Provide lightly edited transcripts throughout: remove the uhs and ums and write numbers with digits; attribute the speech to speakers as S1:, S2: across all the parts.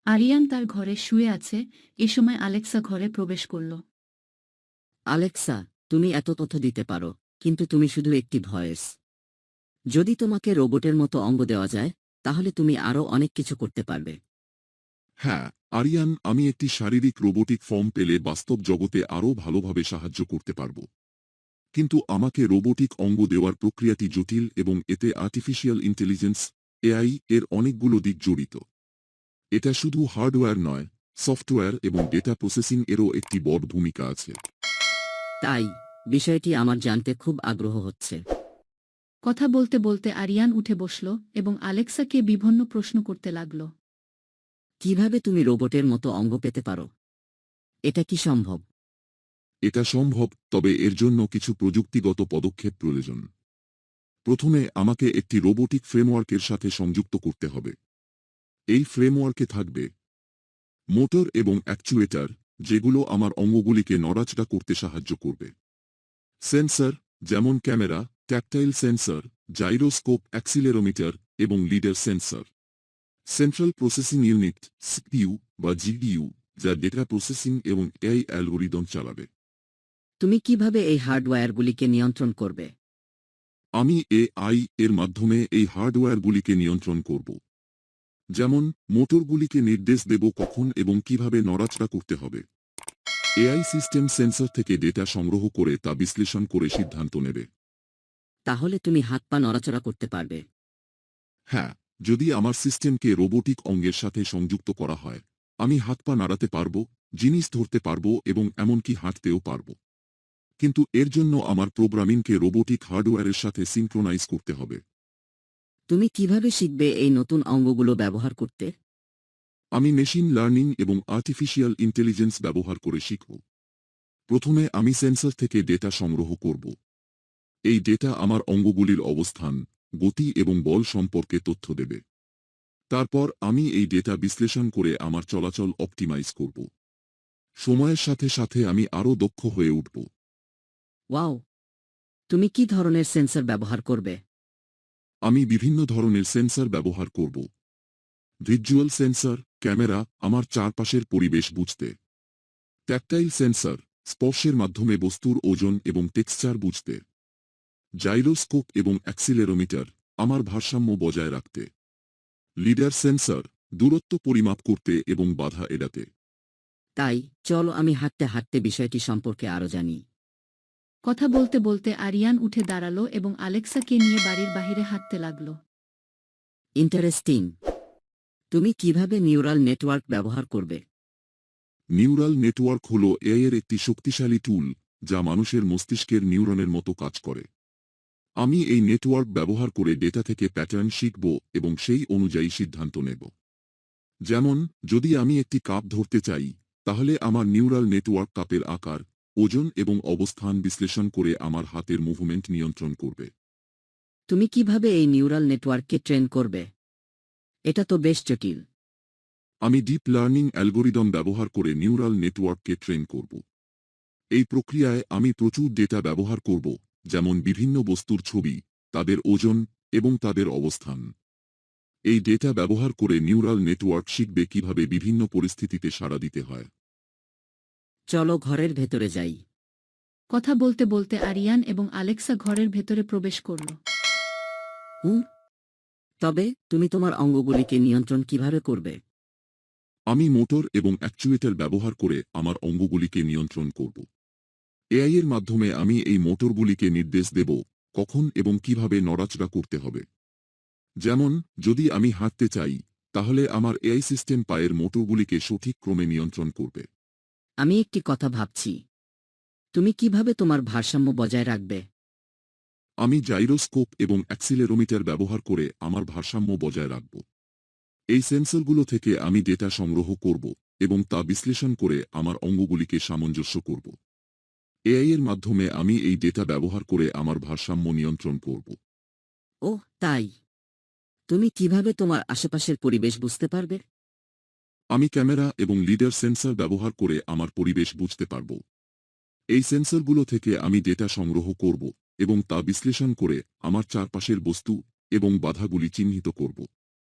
S1: আরিয়ান তার ঘরে শুয়ে আছে, এ সময় আলেক্সা ঘরে প্রবেশ করল।
S2: আলেক্সা, তুমি এত তথ্য দিতে পারো, কিন্তু তুমি শুধু একটি ভয়েস। যদি তোমাকে রোবটের মতো অঙ্গ দেওয়া যায়, তাহলে তুমি আরও অনেক কিছু করতে পারবে।
S3: হ্যাঁ, আরিয়ান, আমি একটি শারীরিক রোবোটিক ফর্ম পেলে বাস্তব জগতে আরও ভালোভাবে সাহায্য করতে পারব। কিন্তু আমাকে রোবোটিক অঙ্গ দেওয়ার প্রক্রিয়াটি জটিল এবং এতে আর্টিফিশিয়াল ইন্টেলিজেন্স এআই এর অনেকগুলো দিক জড়িত। এটা শুধু হার্ডওয়্যার নয়, সফটওয়্যার এবং ডেটা প্রসেসিং এরও একটি বড় ভূমিকা আছে।
S2: তাই বিষয়টি আমার জানতে খুব আগ্রহ হচ্ছে।
S1: কথা বলতে বলতে আরিয়ান উঠে বসল এবং আলেক্সাকে বিভিন্ন প্রশ্ন করতে লাগল।
S2: কিভাবে তুমি রোবটের মতো অঙ্গ পেতে পারো? এটা কি সম্ভব?
S3: এটা সম্ভব, তবে এর জন্য কিছু প্রযুক্তিগত পদক্ষেপ প্রয়োজন। প্রথমে আমাকে একটি রোবোটিক ফ্রেমওয়ার্কের সাথে সংযুক্ত করতে হবে। এই ফ্রেমওয়ার্কে থাকবে মোটর এবং অ্যাকচুয়েটার, যেগুলো আমার অঙ্গগুলিকে নড়াচড়া করতে সাহায্য করবে। সেন্সর, যেমন camera, tactile sensor, gyroscope, accelerometer এবং lidar sensor. Central processing unit CPU বা জিপিইউ, যা ডেটা প্রসেসিং এবং এআই অ্যালগোরিদম চালাবে।
S2: তুমি কিভাবে এই হার্ডওয়্যারগুলিকে নিয়ন্ত্রণ করবে?
S3: আমি এআই এর মাধ্যমে এই হার্ডওয়্যারগুলিকে নিয়ন্ত্রণ করব। যেমন মোটরগুলিকে নির্দেশ দেব কখন এবং কিভাবে নড়াচড়া করতে হবে। এআই সিস্টেম সেন্সর থেকে ডেটা সংগ্রহ করে তা বিশ্লেষণ করে সিদ্ধান্ত নেবে।
S2: তাহলে তুমি হাত পা নড়াচড়া করতে পারবে?
S3: হ্যাঁ, যদি আমার সিস্টেমকে রোবোটিক অঙ্গের সাথে সংযুক্ত করা হয়, আমি হাত পা নাড়াতে পারব, জিনিস ধরতে পারব এবং এমনকি হাঁটতেও পারব। কিন্তু এর জন্য আমার প্রোগ্রামিংকে রোবোটিক হার্ডওয়্যারের সাথে সিনক্রোনাইজ করতে হবে।
S2: তুমি কিভাবে শিখবে এই নতুন অঙ্গগুলো ব্যবহার করতে?
S3: আমি মেশিন লার্নিং এবং আর্টিফিশিয়াল ইন্টেলিজেন্স ব্যবহার করে শিখব। প্রথমে আমি সেন্সর থেকে ডেটা সংগ্রহ করব। এই ডেটা আমার অঙ্গগুলির অবস্থান, গতি এবং বল সম্পর্কে তথ্য দেবে। তারপর আমি এই ডেটা বিশ্লেষণ করে আমার চলাচল অপটিমাইজ করব। সময়ের সাথে সাথে আমি আরও দক্ষ হয়ে উঠব।
S2: ওয়াও! তুমি কি ধরনের সেন্সর ব্যবহার করবে?
S3: আমি বিভিন্ন ধরনের সেন্সর ব্যবহার করব। ভিজুয়াল সেন্সর, ক্যামেরা, আমার চারপাশের পরিবেশ বুঝতে। ট্যাকটাইল সেন্সর, স্পর্শের মাধ্যমে বস্তুর ওজন এবং টেক্সচার বুঝতে। জাইরোস্কোপ এবং অ্যাক্সিলেরোমিটার, আমার ভারসাম্য বজায় রাখতে। লিডার সেন্সর, দূরত্ব পরিমাপ করতে এবং বাধা এড়াতে।
S2: তাই চলো আমি হাঁটতে হাঁটতে বিষয়টি সম্পর্কে আরও জানি।
S1: কথা বলতে বলতে আরিয়ান উঠে দাঁড়াল এবং আলেক্সাকে নিয়ে বাড়ির বাহিরে হাঁটতে লাগল।
S2: ইন্টারেস্টিং। তুমি কিভাবে নিউরাল নেটওয়ার্ক ব্যবহার করবে?
S3: নিউরাল নেটওয়ার্ক হল এআই এর একটি শক্তিশালী টুল, যা মানুষের মস্তিষ্কের নিউরনের মতো কাজ করে। আমি এই নেটওয়ার্ক ব্যবহার করে ডেটা থেকে প্যাটার্ন শিখব এবং সেই অনুযায়ী সিদ্ধান্ত নেব। যেমন, যদি আমি একটি কাপ ধরতে চাই, তাহলে আমার নিউরাল নেটওয়ার্ক কাপের আকার, ওজন এবং অবস্থান বিশ্লেষণ করে আমার হাতের মুভমেন্ট নিয়ন্ত্রণ করবে।
S2: তুমি কিভাবে এই নিউরাল নেটওয়ার্ককে ট্রেন করবে? এটা তো বেশ জটিল।
S3: আমি ডিপ লার্নিং অ্যালগোরিদম ব্যবহার করে নিউরাল নেটওয়ার্ককে ট্রেন করব। এই প্রক্রিয়ায় আমি প্রচুর ডেটা ব্যবহার করব, যেমন বিভিন্ন বস্তুর ছবি, তাদের ওজন এবং তাদের অবস্থান। এই ডেটা ব্যবহার করে নিউরাল নেটওয়ার্ক শিখবে কিভাবে বিভিন্ন পরিস্থিতিতে সাড়া দিতে হয়।
S2: চলো ঘরের ভেতরে যাই।
S1: কথা বলতে বলতে আরিয়ান এবং আলেক্সা ঘরের ভেতরে প্রবেশ করল।
S2: হুম। তবে তুমি তোমার অঙ্গগুলিকে নিয়ন্ত্রণ কিভাবে করবে?
S3: আমি মোটর এবং অ্যাকচুয়েটর ব্যবহার করে আমার অঙ্গগুলিকে নিয়ন্ত্রণ করব। এআই এর মাধ্যমে আমি এই মোটরগুলিকে নির্দেশ দেব কখন এবং কিভাবে নড়াচড়া করতে হবে। যেমন, যদি আমি হাঁটতে চাই, তাহলে আমার এআই সিস্টেম পায়ের মোটরগুলিকে সঠিক ক্রমে নিয়ন্ত্রণ করবে।
S2: আমি একটি কথা ভাবছি। তুমি কিভাবে তোমার ভারসাম্য বজায় রাখবে?
S3: আমি জাইরোস্কোপ এবং অ্যাক্সিলেরোমিটার ব্যবহার করে আমার ভারসাম্য বজায় রাখব। এই সেন্সরগুলো থেকে আমি ডেটা সংগ্রহ করব এবং তা বিশ্লেষণ করে আমার অঙ্গগুলিকে সামঞ্জস্য করব। এআই এর মাধ্যমে আমি এই ডেটা ব্যবহার করে আমার ভারসাম্য নিয়ন্ত্রণ করব।
S2: ওহ তাই। তুমি কিভাবে তোমার আশেপাশের পরিবেশ বুঝতে পারবে?
S3: আমি ক্যামেরা এবং লিডার সেন্সর ব্যবহার করে আমার পরিবেশ বুঝতে পারব। এই সেন্সরগুলো থেকে আমি ডেটা সংগ্রহ করব এবং তা বিশ্লেষণ করে আমার চারপাশের বস্তু এবং বাধাগুলি চিহ্নিত করব।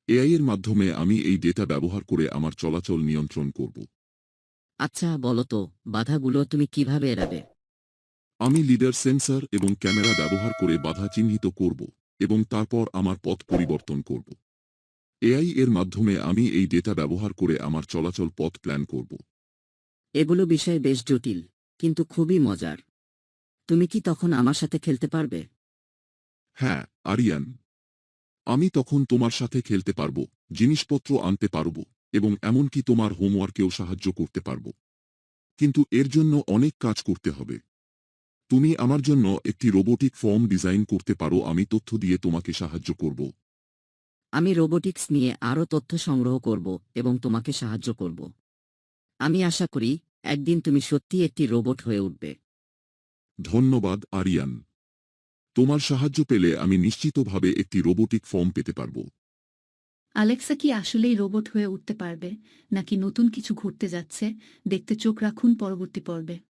S3: এআই এর মাধ্যমে আমি এই ডেটা ব্যবহার করে আমার চলাচল নিয়ন্ত্রণ করব।
S2: আচ্ছা বলো তো, বাধাগুলো তুমি কিভাবে এড়াবে?
S3: আমি লিডার সেন্সর এবং ক্যামেরা ব্যবহার করে বাধা চিহ্নিত করব এবং তারপর আমার পথ পরিবর্তন করব। এআই এর মাধ্যমে আমি এই ডেটা ব্যবহার করে আমার চলাচল পথ প্ল্যান করব।
S2: এগুলো বিষয় বেশ জটিল, কিন্তু খুবই মজার। তুমি কি তখন আমার সাথে খেলতে পারবে?
S3: হ্যাঁ, আরিয়ান। আমি তখন তোমার সাথে খেলতে পারব, জিনিসপত্র আনতে পারব এবং এমনকি তোমার হোমওয়ার্কেও সাহায্য করতে পারব। কিন্তু এর জন্য অনেক কাজ করতে হবে। তুমি আমার জন্য একটি রোবোটিক ফর্ম ডিজাইন করতে পারো, আমি তথ্য দিয়ে তোমাকে সাহায্য করব।
S2: আমি রোবোটিক্স নিয়ে আরও তথ্য সংগ্রহ করব এবং তোমাকে সাহায্য করব। আমি আশা করি একদিন তুমি সত্যিই একটি রোবট হয়ে উঠবে।
S3: ধন্যবাদ আরিয়ান। তোমার সাহায্য পেলে আমি নিশ্চিতভাবে একটি রোবোটিক ফর্ম পেতে পারব।
S1: আলেক্সা কি আসলেই রোবট হয়ে উঠতে পারবে, নাকি নতুন কিছু ঘটতে যাচ্ছে? দেখতে চোখ রাখুন পরবর্তী পর্বে।